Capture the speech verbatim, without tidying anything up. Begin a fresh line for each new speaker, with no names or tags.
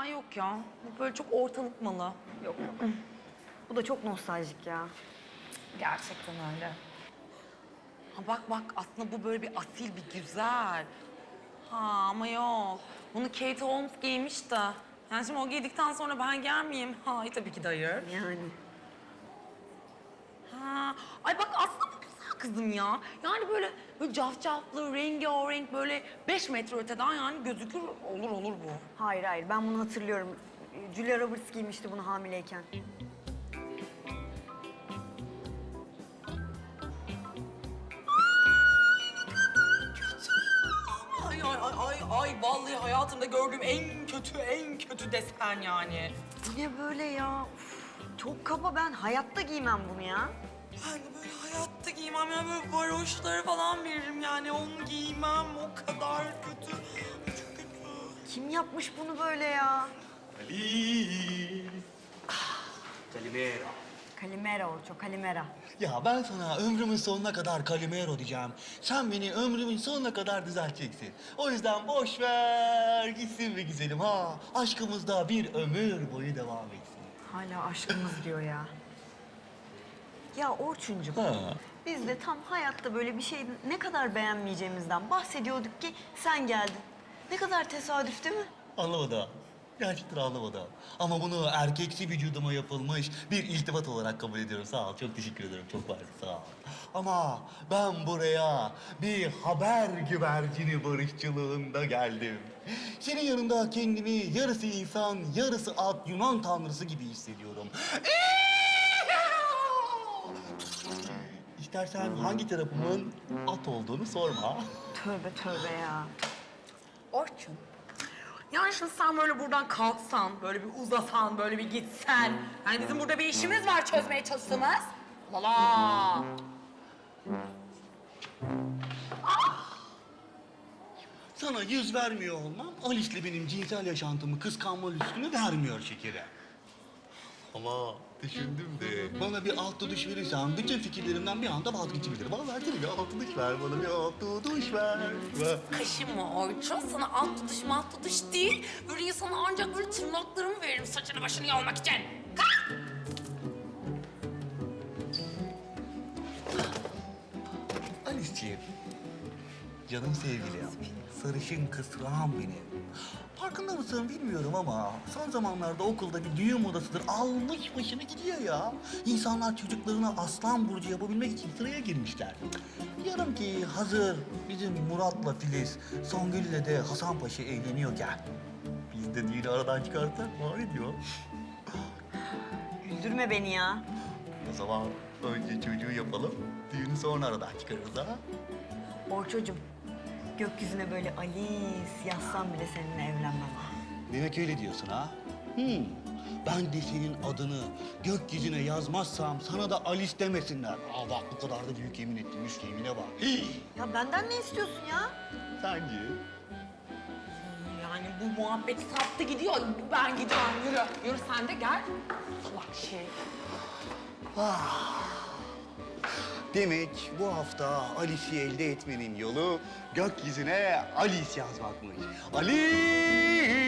yok ya. Bu böyle çok ortalık malı.
Yok yok. Bu da çok nostaljik ya.
Gerçekten öyle. Ha bak bak aslında bu böyle bir asil bir güzel. Ha ama yok. Bunu Kate Holmes giymiş de. Yani şimdi o giydikten sonra ben giyer miyim? Hayır tabii ki de hayır.
Yani.
Ha. Ay bak aslında bu güzel kızım ya. Yani böyle, böyle cafcaflı, rengarenk böyle beş metre öteden yani gözükür olur olur bu.
Hayır hayır ben bunu hatırlıyorum. Julia Roberts giymişti bunu hamileyken.
Ay ay ay ay ay vallahi hayatımda gördüğüm en kötü en kötü desen yani.
Bu ne böyle ya? Uf, çok kaba, ben hayatta giymem bunu ya.
Ben de böyle hayatta giymem ya böyle varoşları falan veririm yani onu giymem o kadar kötü. Çok kötü.
Kim yapmış bunu böyle ya?
Ali. Kalimera.
Kalimera Orço, Kalimera.
Ya ben sana ömrümün sonuna kadar Kalimero diyeceğim. Sen beni ömrümün sonuna kadar düzelteceksin. O yüzden boş ver gitsin be güzelim ha. Aşkımız da bir ömür boyu devam etsin.
Hala aşkımız diyor ya. Ya Orçuncuğum,
Ha.
biz de tam hayatta böyle bir şey ne kadar beğenmeyeceğimizden bahsediyorduk ki sen geldin. Ne kadar tesadüf değil mi?
Anlamadım. Gerçekten anlamadım. Ama bunu erkeksi vücuduma yapılmış bir iltifat olarak kabul ediyorum. Sağ ol, çok teşekkür ederim. Çok var, sağ ol. Ama ben buraya bir haber güvercini barışçılığında geldim. Senin yanında kendimi yarısı insan, yarısı at, Yunan tanrısı gibi hissediyorum. İstersen hangi tarafımın at olduğunu sorma.
Tövbe tövbe ya.
Orçun. Yani şimdi sen böyle buradan kalksan, böyle bir uzasan, böyle bir gitsen. Yani bizim burada bir işimiz var çözmeye çalıştığımız. Lala.
Sana yüz vermiyor olmam, Alice'le benim cinsel yaşantımı kıskanma lüksünü vermiyor şekere. Ama düşündüm de bana bir alt duş verirsen bütün fikirlerimden bir anda vazgeçebilirim. Bana versene bir alt duş ver, bana bir alt duş ver. ver.
Kaşınma Orçun. Sana alt tutuş mat tutuş değil. Böyle sana ancak böyle tırnaklarımı veririm saçını başını yolmak için. Kalk!
Alice'ciğim, canım sevgilim, sarışın kısrağım benim. Farkında mısın bilmiyorum ama son zamanlarda okulda bir düğün modasıdır almış başını gidiyor ya. İnsanlar çocuklarına aslan burcu yapabilmek için sıraya girmişler. Diyorum ki hazır bizim Murat'la Filiz, Songül'le de Hasan Paşa evleniyorken biz de düğünü aradan çıkarsak var diyor.
Güldürme beni ya.
O zaman önce çocuğu yapalım, düğünü sonra aradan çıkarırız ha.
Orçocuğum, gökyüzüne böyle Alice yazsam bile seninle evlenmem.
Demek öyle diyorsun ha? Hmm. Ben de senin adını gökyüzüne yazmazsam sana da Alice demesinler. Aa bak bu kadar da büyük yemin ettim, üst yemine bak. Hii.
Ya benden ne istiyorsun ya?
Sence?
Yani bu muhabbet saptı gidiyor. Ben gidiyorum. Yürü. Yürü sen de gel. Salak şey.
Demek bu hafta Alice'i elde etmenin yolu gökyüzüne Alice yazmakmış. Alice!